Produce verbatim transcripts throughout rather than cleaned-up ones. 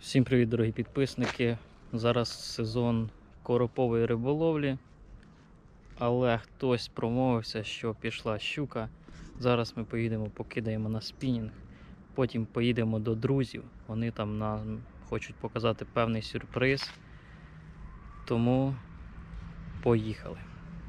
Всім привіт, дорогі підписники. Зараз сезон коропової риболовлі, але хтось промовився, що пішла щука. Зараз ми поїдемо, покидаємо на спінінг, потім поїдемо до друзів. Вони там нам хочуть показати певний сюрприз, тому поїхали.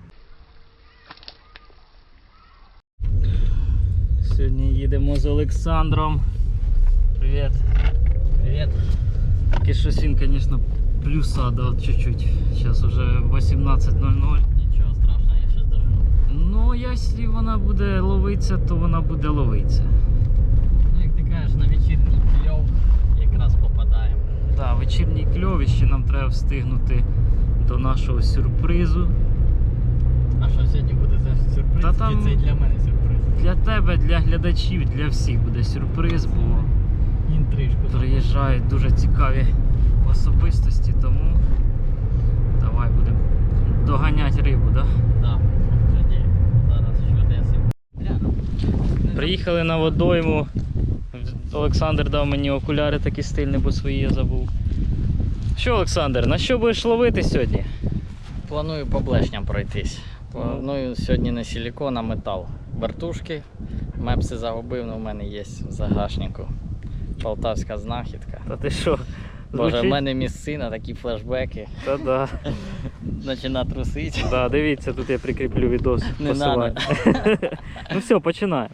Сьогодні їдемо з Олександром. Привіт. Привет. Тільки щось він, звісно, плюса дав чуть-чуть. Зараз вже вісімнадцять нуль нуль. Нічого страшного, я щас дожду. Ну, якщо вона буде ловитися, то вона буде ловитися. Ну, як ти кажеш, на вечірній кльов якраз попадаємо. Так, да, вечірній кльов, ще нам треба встигнути до нашого сюрпризу. А що сьогодні буде за сюрприз? Та там... Чи це і для мене сюрприз? Для тебе, для глядачів, для всіх буде сюрприз, бо інтрижку приїжджають дуже цікаві особистості, тому давай будемо доганяти рибу, так? Да? Так. Тоді зараз що десь. Приїхали на водойму. Олександр дав мені окуляри такі стильні, бо свої я забув. Що, Олександр, на що будеш ловити сьогодні? Планую по блешням пройтись. Планую сьогодні не силікон, а метал. Вертушки. Мепси загубив, але в мене є в загашнику. Полтавська знахідка. Та ти що? Боже, в мене місцина, такі флешбеки. Та да. Почина трусити. Да, дивіться, тут я прикріплю відос. Не посилання. Ну все, починаємо.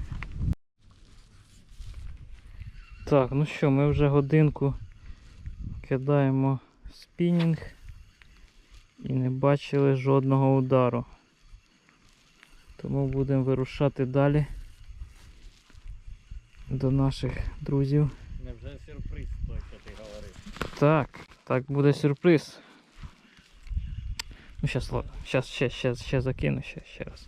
Так, ну що, ми вже годинку кидаємо спінінг і не бачили жодного удару. Тому будемо вирушати далі до наших друзів. Невже сюрприз той, що ти говорив? Так, так буде сюрприз. Ну, щас, щас ще, ще, ще закину, ще, ще раз.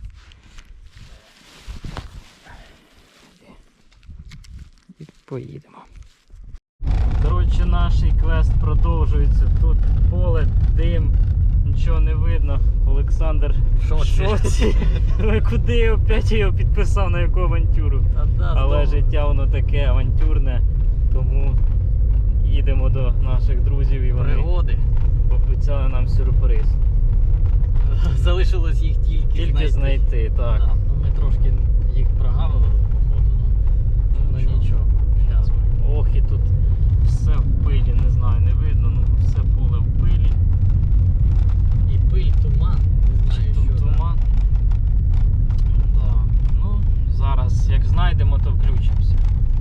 І поїдемо. Коротше, наш квест продовжується. Тут поле, дим, нічого не видно. Олександр в шоці. Куди я опять його підписав, на яку авантюру. Але життя воно таке авантюрне, тому їдемо до наших друзів і вони пригоди пообіцяли нам сюрприз. Залишилось їх тільки, Тільки знайти, знайти так. Да, ну ми трошки їх прогавили, походу. Ну, ну нічого. нічого. Зараз ми. Ох, і тут все в пилі, не знаю, не видно, ну все поле в пилі. І пиль, туман. Не знаю, Чи тут що туман. Да. Ну, зараз як знайдемо, то включимося.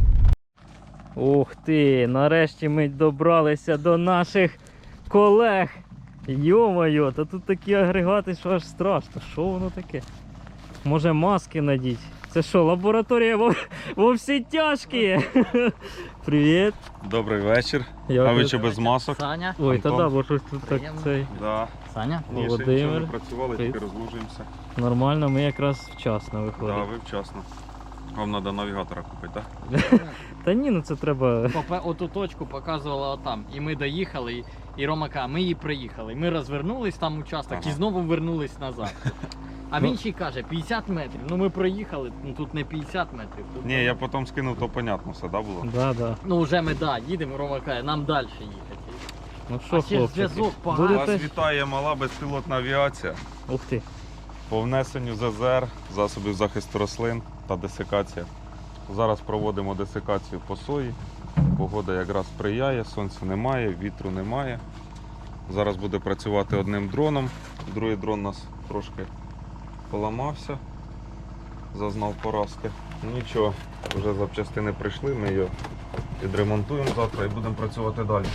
Ух ти, нарешті ми добралися до наших колег. Йо-моє, та тут такі агрегати, що аж страшно. Що воно таке? Може маски надіть? Це що, лабораторія во, во всі тяжкі? Привіт. Добрий вечір. Я а ви тут- чи без масок? Саня. Ой, та Антон? да, бо щось тут так Приємно. цей. Да. Саня? Ні, ще Володимир. нічого не працювали, Привіт. тільки розлужуємося. Нормально, ми якраз вчасно Да, виходимо. ви вчасно. Вам треба навігатора купити, так? Та ні, ну це треба. Попе- Оту точку показувала отам. І ми доїхали, і, і Рома каже, ми її приїхали. Ми розвернулись там участок Ага. і знову вернулись назад. А Ну. він ще й каже, п'ятдесят метрів. Ну ми проїхали, ну тут не п'ятдесят метрів. Тут Ні, я потім скинув, то понятно все, да, було? Да, да. Ну вже ми да, їдемо, Рома каже, нам далі їхати. Ну А що, ще хлопчики, зв'язок поганий. Вас будете? вітає мала безпілотна авіація Ух ти. по внесенню З З Р, засобів захисту рослин та десикація. Зараз проводимо десикацію по сої. Погода якраз сприяє, сонця немає, вітру немає. Зараз буде працювати одним дроном. Другий дрон у нас трошки поламався, зазнав поразки. Нічого, вже запчастини прийшли, ми його відремонтуємо завтра і будемо працювати далі.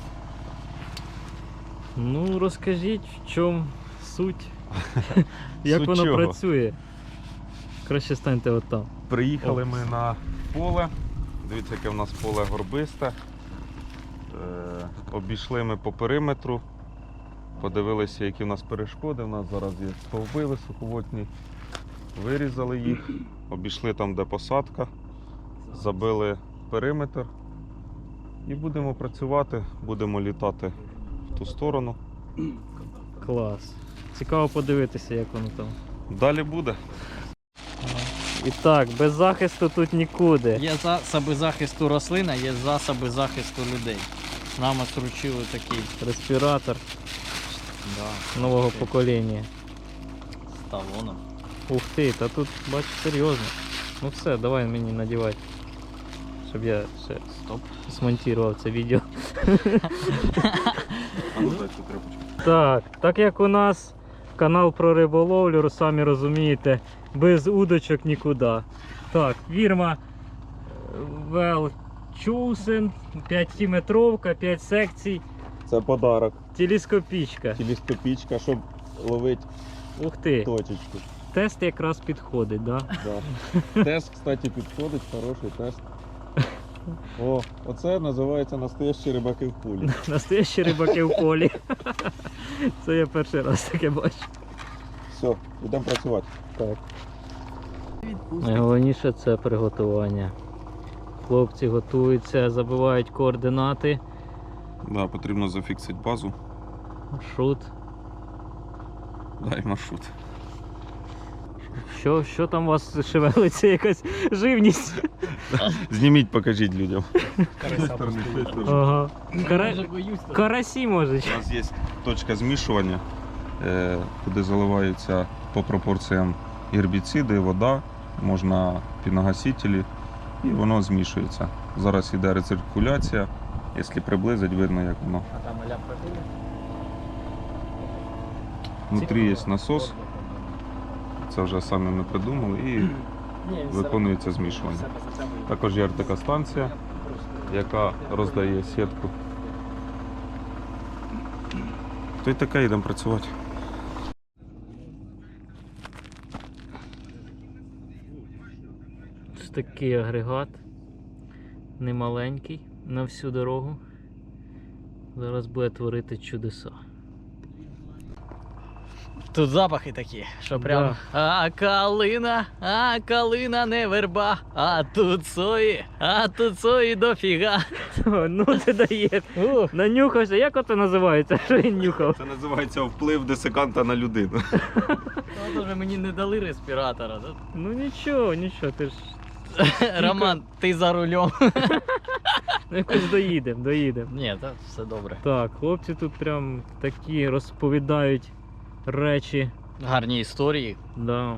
Ну розкажіть, в чому суть? Як Суть воно чого? працює? Краще станьте от там. Приїхали О. ми на поле. Дивіться, яке в нас поле горбисте. Е, обійшли ми по периметру. Подивилися, які в нас перешкоди. У нас зараз є стовби високовольтні. Вирізали їх. Обійшли там, де посадка. Забили периметр. І будемо працювати, будемо літати в ту сторону. Клас. Цікаво подивитися, як воно там. Далі буде. І так, без захисту тут нікуди. Є засоби захисту рослин, а є засоби захисту людей. Нам отручили такий респіратор да, нового Окей. покоління. з талоном. Ух ти, та тут, бачиш, серйозно. Ну все, давай мені надівати, щоб я ще Стоп. змонтував це відео. А ну дай цю тряпочку. Так, так як у нас канал про риболовлю, самі розумієте, без удочок нікуди. Так, фірма Велчусен, п'ятиметровка, п'ять секцій, Це подарок. телескопічка. Телескопічка, щоб ловити Ух ти, точечку. тест якраз підходить, да? Да. Тест, кстати, підходить, хороший тест. О, оце називається настоящі рибаки в пулі. Настоящі рибаки в полі. Це я перший раз таке бачу. Все, йдемо працювати. Так. Найголовніше це приготування. Хлопці готуються, забивають координати. Да, потрібно зафіксити базу. Маршрут. Дай маршрут. Що, що там у вас шевелиться, якась живність? Зніміть, покажіть людям. Ага. Кара... Дуже боюсь. Карасі може. У нас є точка змішування, е, куди заливаються по пропорціям гербіциди, вода, можна піногасителі, і воно змішується. Зараз йде рециркуляція, якщо приблизить, видно, як воно. А там ля прибули? Внутрі є насос, це вже самі ми придумали, і виконується змішування. Також є така станція, яка роздає сітку. То й таке, йдемо працювати. Ось такий агрегат. Немаленький, на всю дорогу. Зараз буде творити чудеса. Тут запахи такі, що прям а калина, а калина не верба, а тут сої, а тут сої дофіга. Ну ти даєш. Ух. Нанюхався. Як ото називається? Що він нюхав? Це називається вплив десиканта на людину. Ну, вже мені не дали респіратора. да? Ну нічого, нічого, ти ж Роман, ти за рулем. ну, якось доїдемо, доїдемо. Ні, так все добре. Так, хлопці тут прям такі розповідають речі. Гарні історії. Да.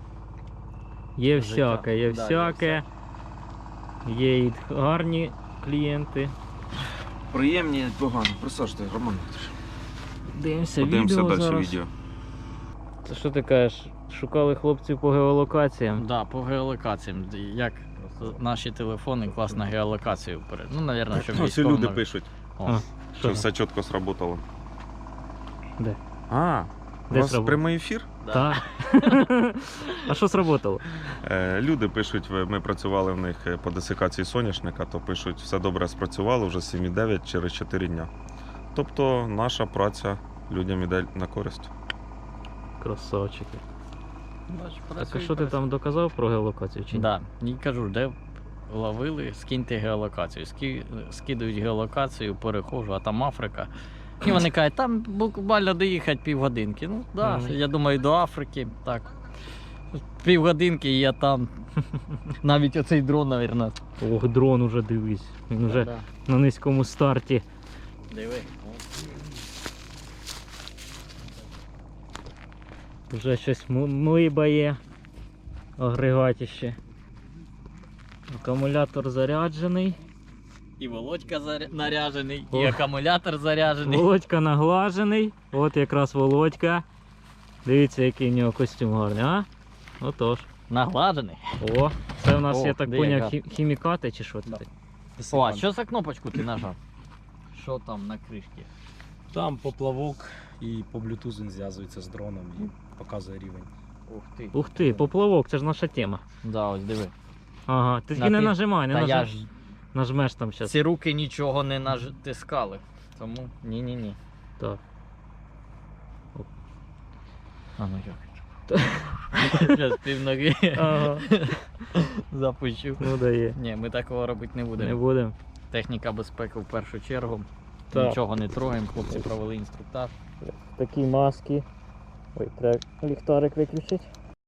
Є Життя. всяке, є Да, є всяке. Є і гарні клієнти. Приємні, погано. Присаджте, Роман. Дивимося Подивимося відео далі зараз. відео. Це що ти кажеш? Шукали хлопців по геолокаціям? Да, по геолокаціям. Як наші телефони класно геолокацію перед. Ну, мабуть, щоб Ось і військовим- люди пишуть, О, А, що що? все чітко сработало. Де? А, у Де вас сработало? прямий ефір? да. Так. А що сработало? Е, люди пишуть, ви- ми працювали в них е, по десикації соняшника, то пишуть, все добре спрацювало, вже сім і дев'ять через чотири дня. Тобто наша праця людям іде на користь. Красавчики. Бач, Так, а працює, що ти працює. там доказав про геолокацію чи ні? Да. І кажу, де ловили, скиньте геолокацію. Ски... Скидують геолокацію, перехожу, а там Африка. І вони кажуть, там буквально доїхати півгодинки. Ну, да, Мгм. я думаю, до Африки. Так. Півгодинки і я там. Навіть оцей дрон, мабуть. Ох, дрон уже дивись. Він уже Да. на низькому старті. Диви. Вже щось м- млибає. Агрегатіще. Акумулятор заряджений. І Володька заря... наряжений, і О. акумулятор заряджений. Володька наглажений. От якраз Володька. Дивіться, який в нього костюм гарний, а? Отож. Нагладжений. О, це в нас, О, я так де поняв, яка? хі- хімікати чи що Да. це? О, а що за кнопочку ти нажав? Що там на кришці? Там поплавок і по Bluetooth він зв'язується з дроном і показує рівень. Ух ти. Ух ти, поплавок, це ж наша тема. Да, ось диви. Ага, ти На тільки не ти- нажимай, не Та я нажимай. ж Нажмеш там зараз. ці руки нічого не натискали. Тому ні-ні-ні. Так. А ну як? Зараз пів ноги Ага, запущу. ну дає. Ні, ми такого робити не Не будемо. будемо. Техніка безпеки в першу чергу. Так. Нічого не трогаємо, хлопці провели інструктаж. Такі маски. Ой, треба ліхтарик виключити.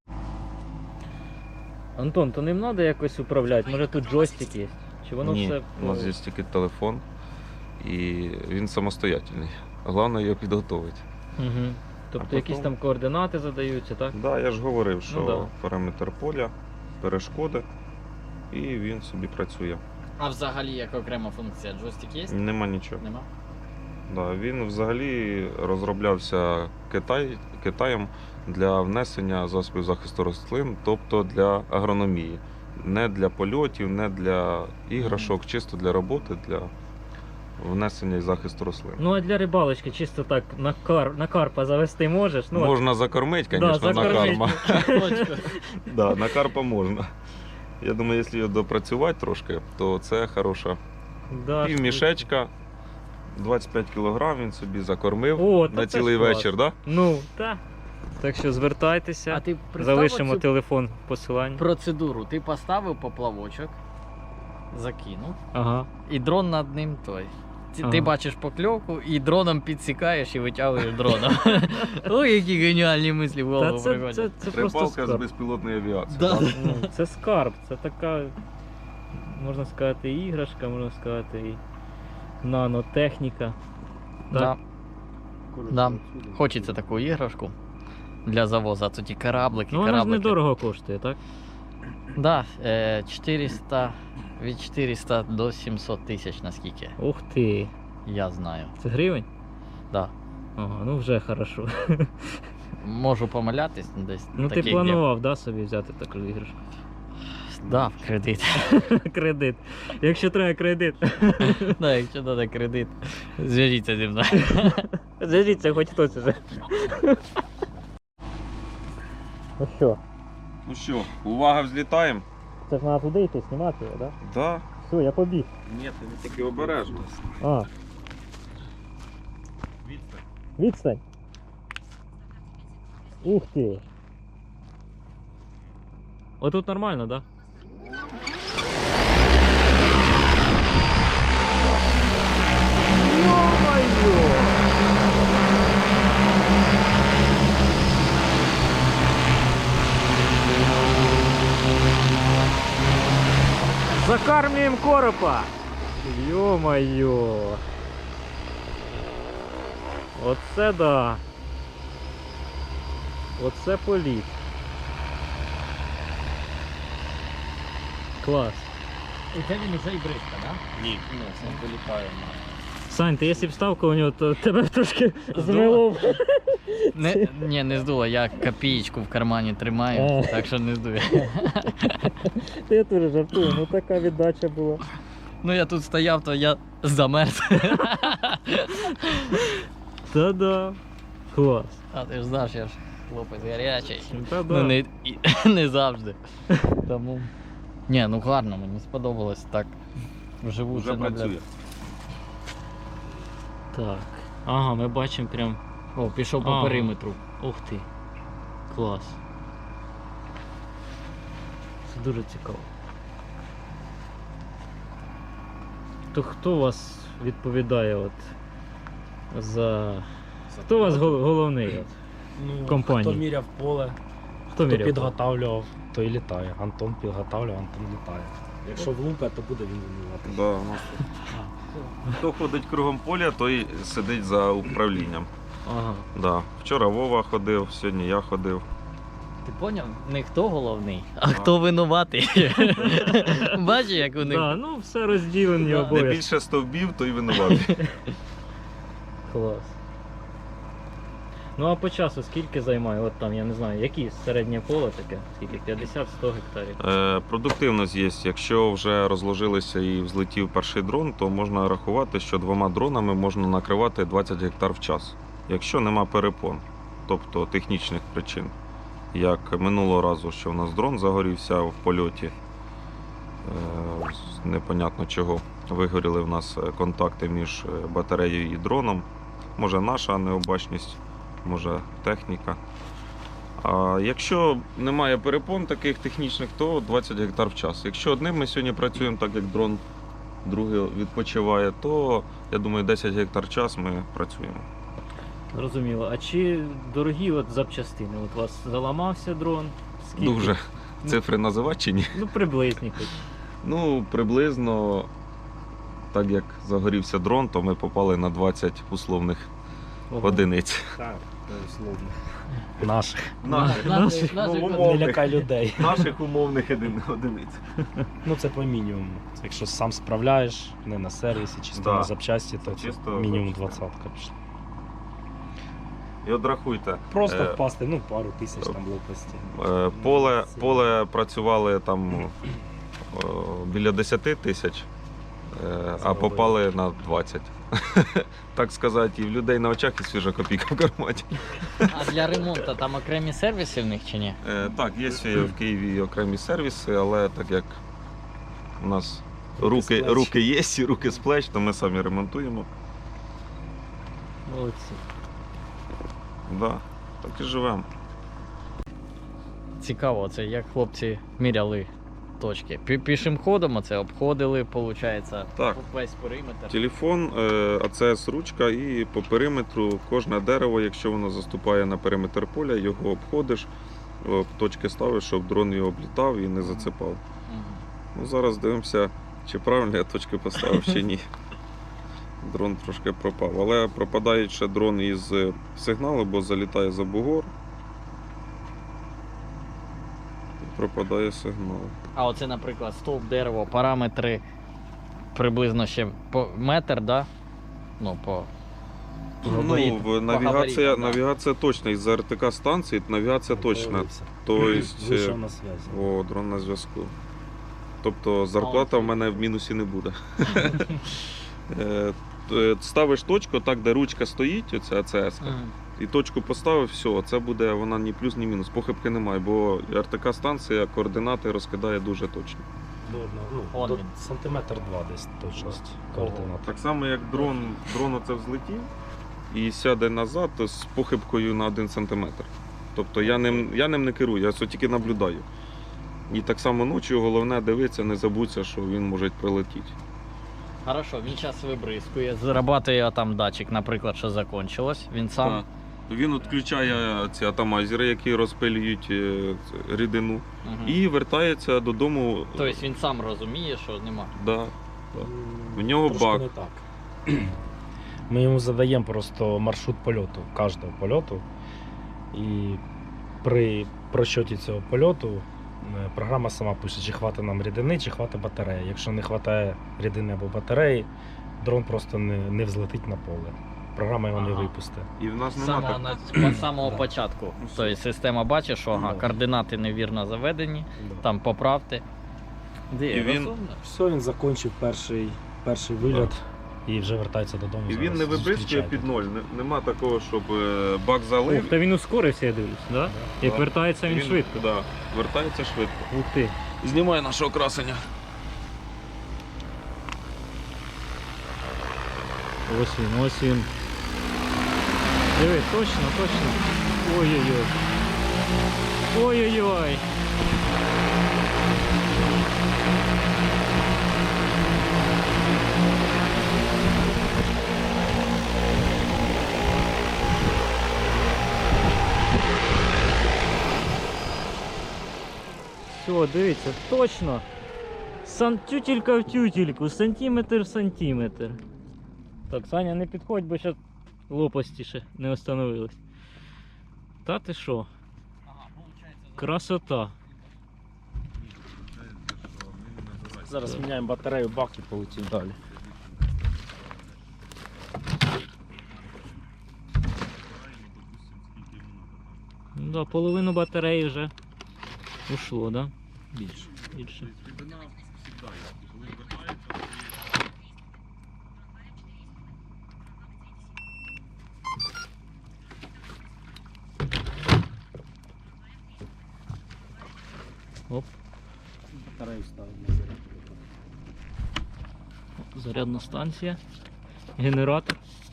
Антон, то ним треба якось управляти? Може тут джойстик є? Чи воно Ні, все. у нас є тільки телефон і він самостоятельний. Головне його підготовити. Угу. Тобто потім- якісь там координати задаються, так? Так, да, я ж говорив, що Ну да. периметр поля, перешкоди, і він собі працює. А взагалі як окрема функція, джойстик є? Нема нічого. Нема? Да, він взагалі розроблявся Китай, Китаєм для внесення засобів захисту рослин, тобто для агрономії. Не для польотів, не для іграшок, чисто для роботи, для внесення і захисту рослин. Ну а для рибалочки чисто так на, кар... на карпа завести можеш? Ну, Можна закормити, да, звісно, на закормить. карма. Точно. Да, на карпа можна. Я думаю, якщо його допрацювати трошки, то це хороша да, пів мішечка, двадцять п'ять кілограм він собі закормив О, та на це цілий ж клас. вечір, да? Ну, так. Так що звертайтеся, А ти представив залишимо цю телефон посилання. процедуру? Ти поставив поплавочок, закинув, Ага. і дрон над ним той. Ти, Ага. ти бачиш покльовку і дроном підсікаєш і витягуєш дроном. Ой, які геніальні мислі в Та голову це, це, приходять. це просто Рибалка з скарб. безпілотної авіації. Да. Ну, це скарб, це така, можна сказати, і іграшка, можна сказати, і нанотехніка. Да. Да. Хочеться таку іграшку для завозу, а то ті кораблики, Ну вона ж кораблики. недорого коштує, так? Да, е, чотириста, від чотириста до сімсот тисяч, наскільки Ух ти. я знаю. Це гривень? Да. Ага, ну вже хорошо. Можу помилятись десь. Ну ти таких, планував, да, собі взяти таку іграшку? де- Да, в кредит. Кредит. Якщо треба кредит. Да, якщо треба кредит, зв'яжіться зі мною. Зв'яжіться хоч хтось уже. Ну що, Ну що, увага, взлітаємо? це ж треба туди йти, знімати його, так? Да? Да. Все, я побіг. Ні, ти не тільки обережно. А, відстань. Ух ти. Отут нормально, так? Да? Ё-моё! Закармливаем коропа! Ё-моё! Оце да! Оце політ! Клас! І це він уже і бризка, так? Ні. Ні, це вилітає. Сань, ти якщо б став коло нього, то тебе б трошки змило. б. Не, ні, не здуло, я копієчку в кармані тримаю, А. так що не здує. Та я теж жартую, ну така віддача була. Ну я тут стояв, то я замерз. Та-да. Клас. А ти ж знаєш, я ж хлопець гарячий. Та-да. Ну не, і- не завжди. Тому. Ні, ну гарно, мені сподобалось так. Вживу Вже це нагляд- працює. Так. Ага, ми бачимо прям. О, пішов по Ага. периметру. Ух ти. Клас. Це дуже цікаво. То хто у вас відповідає от за. Хто у вас гол- головний? От? Ну, компанії? Хто міряв поле, Хто хто міряв? підготавлював, той літає. Антон підготавлював, Антон літає. Якщо влупе, то буде він винувати. Да, у нас тут. Хто ходить кругом поля, той сидить за управлінням. Ага. Да. Вчора Вова ходив, сьогодні я ходив. Ти поняв? Не хто головний, а хто винуватий. Бачиш, як у них. Да, ну все розділені Да. Де обов'язки. більше стовбів, той винуватий. Клас. Ну а по часу скільки займає? От там, я не знаю, які середнє поле таке? Скільки? п'ятдесят-сто гектарів. Е, продуктивність є. Якщо вже розложилися і взлетів перший дрон, то можна рахувати, що двома дронами можна накривати двадцять гектар в час. Якщо нема перепон, тобто технічних причин. Як минулого разу, що у нас дрон загорівся в польоті, е, з непонятно чого. Вигоріли в нас контакти між батареєю і дроном. Може наша необачність, може техніка. А якщо немає перепон таких технічних, то двадцять гектар в час. Якщо одним ми сьогодні працюємо, так як дрон другий відпочиває, то я думаю, десять гектар в час ми працюємо. Зрозуміло. А чи дорогі от запчастини? От у вас заламався дрон? Скільки? Дуже. Цифри називати чи ні? Ну приблизні хоч. Ну, приблизно так як загорівся дрон, то ми попали на двадцять условних одиниць. Так, условно. Наших. Наших, Наших, наших, Не лякай людей. Наших умовних одиниць. Ну це по мінімуму. Якщо сам справляєш, не на сервісі, чисто Да. на запчасті, то це Чисто мінімум запчасті. двадцятка пішла. І от рахуйте, Просто Е, впасти, ну пару тисяч там лопасті. е, поле, поле працювали там е, біля десять тисяч, е, а Заробили. попали на двадцять. Так сказати, і в людей на очах і свіжа копійка в кармані. А для ремонту там окремі сервіси в них чи ні? Е, Так, є в Києві окремі сервіси, але так як у нас Руки з руки, плеч. руки є і руки з плеч, то ми самі ремонтуємо. Молодці. Да, так і живемо. Цікаво, це як хлопці міряли точки. Пі- Пішим ходом оце обходили, виходить, Так. весь периметр. Телефон, е, а це ручка, і по периметру кожне дерево, якщо воно заступає на периметр поля, його обходиш, о, точки ставиш, щоб дрон його облітав і не зацепав. Мгм. Ну, зараз дивимося, чи правильно я точки поставив, чи ні. Дрон трошки пропав. Але пропадає ще дрон із сигналу, бо залітає за бугор. І пропадає сигнал. А оце, наприклад, стовп, дерево, параметри приблизно ще по метр, да? Ну, по габариту, Ну, по в навігація, габариту, да. навігація точна. Із-за ар те ка станції навігація точна. Появився. Тобто, Вийшов на зв'язі. о, дрон на зв'язку. Тобто зарплата в мене в мінусі не буде. Е, т- Ставиш точку так, де ручка стоїть, оця АЦС, Мгм. і точку поставив, все, це буде вона ні плюс, ні мінус. Похибки немає, бо ар те ка станція координати розкидає дуже точно. До, одного, ну, Он до він. сантиметр два десь точність координат. Так само, як дрон, дрон оце взлетів і сяде назад то з похибкою на один сантиметр. Тобто я ним, я ним не керую, я це тільки наблюдаю. І так само ночі головне дивитися, не забудься, що він може прилетіти. Хорошо, він зараз вибризкує, зарабатує там датчик, наприклад, що закончилось. Він сам. Так. Він відключає ці атомайзери, які розпилюють е, це, рідину, Мгм. і вертається додому. Тобто він сам розуміє, що нема. Да. В нього Трошки баг. не так. Ми йому задаємо просто маршрут польоту, кожного польоту. І при просчоті цього польоту е, програма сама пише, чи хватить нам рідини, чи хватить батареї. Якщо не вистачає рідини або батареї, дрон просто не, не взлетить на поле. Програма його не Ага. випустить. І в нас З нема самого, так. на- з самого Да. початку. Ну, все. Тобто система бачить, що ага, Да. координати невірно заведені, там поправте. Де, І він- розумно? Все, він закінчив перший, перший вильот і вже вертається додому. І він зараз не вибризкує зустрічайте. під ноль. Не- Нема такого, щоб е, бак Ух, залив. та він ускорився, я дивлюсь, да? Як Да. вертається він, швидко. Да, вертається швидко. Ух ти. Знімає нашого красення. Ось він, ось він. Диви, точно, точно. Ой-ой-ой. Ой-ой-ой. Все, дивіться, точно. Сан... Тютелька в тютельку, сантиметр в сантиметр. Так, Саня, не підходь, бо зараз лопасті ще не встановились. Та ти що? Красота. Зараз міняємо батарею, бак і полетів далі. Ну да, половину батареї вже ушло, да? Більше. Більше. Оп, Батарею ставимо на зарядку. зарядна станція. Генератор.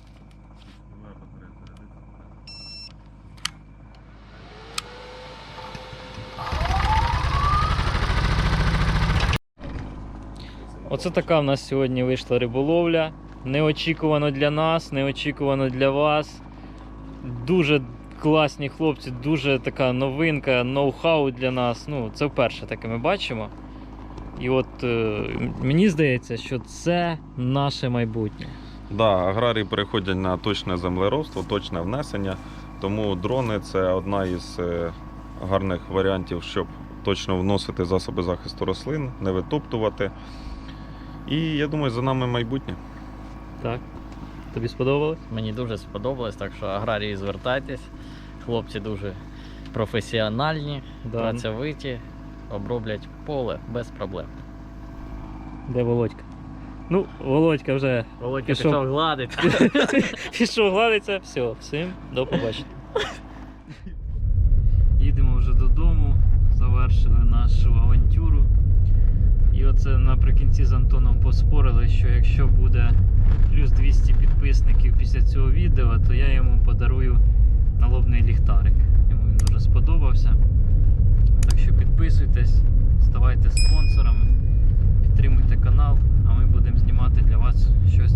Оце така в нас сьогодні вийшла риболовля. Неочікувано для нас, неочікувано для вас. Дуже класні хлопці, дуже така новинка, ноу-хау для нас. Ну, це вперше таке ми бачимо. І от е, мені здається, що це наше майбутнє. Да, аграрії переходять на точне землеробство, точне внесення, тому дрони це одна із е, гарних варіантів, щоб точно вносити засоби захисту рослин, не витоптувати. І я думаю, за нами майбутнє. Так. Тобі сподобалось? Мені дуже сподобалось, так що аграрії звертайтесь. Хлопці дуже професіональні, Да. працьовиті, оброблять поле без проблем. Де Володька? Ну, Володька вже Володька Пішов. пішов гладити. пішов гладиться. Все, всім до побачення. Їдемо вже додому, завершили нашу авантюру. І оце наприкінці з Антоном поспорили, що якщо буде плюс двісті підписників після цього відео, то я йому подарую налобний ліхтарик. Йому він дуже сподобався. Так що підписуйтесь, ставайте спонсорами, підтримуйте канал, а ми будемо знімати для вас щось